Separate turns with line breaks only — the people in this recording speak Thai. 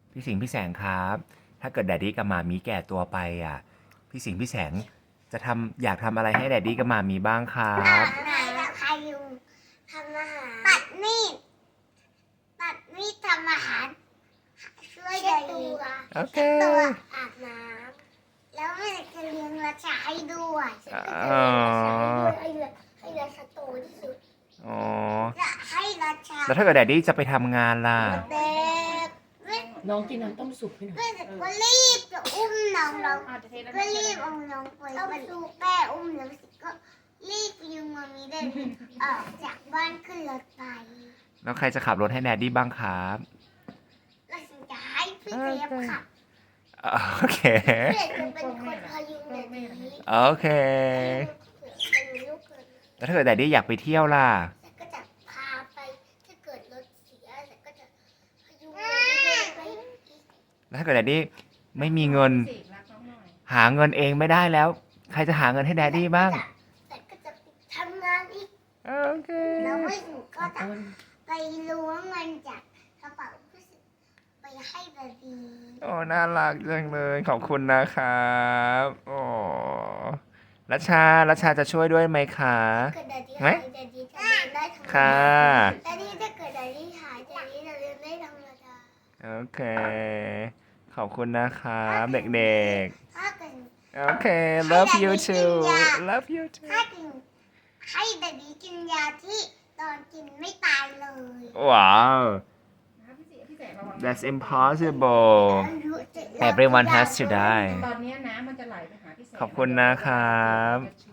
พี่สิงห์พี่แสงครับ ถ้าเกิดแดดดี้กับหมามีแก่ตัวไปอ่ะ พี่สิงห์พี่แสงจะอยากทำอะไรให้แดดดี้กับหมามีบ้างครับ
ไหนเราพายุงทำอาหารตัดมีดทำอาหารช่วยยาย
โอเค
ตัวอาบน้ำแล้วแม่จะเลี้ยงราชาให้ด้วยให้ราชาโตที่สุด
อ๋อ
จะให้ราชา
แล้วถ้าเกิดแดดดี้จะไปทำงานล่ะ
เด็ก
น้องกินน้ำต้มสุกให้หน่อย
ก็รีบจะอุ้มน้องก็รีบเอาน้องไปแม่อุ้มน้องสิก็รีบยุงมามีเดินออกจากบ้านขึ้นรถไป
แล้วใครจะขับรถให้แดดดี้บ้างครับ
แล้วฉันจะให้พี่เจี๊ยบขับ
โอเค
เพื่อจะเป็นคนพยุงแบบนี้
โอเค
เป็นลูกเกิด
แล้วถ้าเกิดแดดดี้อยากไปเที่ยวล่ะ
แต่ก็จะพาไปถ้าเกิดรถเสียแต่ก็จะพยุงไป
แล้วถ้าเกิดแดดดี้ไม่มีเงิน หาเงินเองไม่ได้แล้ว ใครจะหาเงินให้แดดดี้บ้าง
แต่ก็จะทำงานอีก
โอเค
แล้วไม่ถึงก็จะไปล้วงเงินจากกระเป๋าผู้สิไปให้บาบี
โอ้น่ารักจังเลย ขอบคุณนะครับโอ้รัชชาจะช่วยด้วยไหมคะ
เกิดแดดดี้
ไหม
หายแดดดี้จะเรียนได้ทั้ง
ค่ะ
แดดดี้ถ้าเกิดแดดดี้หายแดดดี้จะเรียนได้ธรรมดา
โอเค ขอบคุณนะครับเด็ก
ถ้าเกิด
ๆ โอเค love you too love you too
ถ้ากินให้แดดดี้กินยาที่ตอนกินไม่ตายเลย
ว้าว that's impossible everyone has to die
ตอนนี้น้ำมันจะไหลไปหาพี่แสง
ขอบคุณนะครับ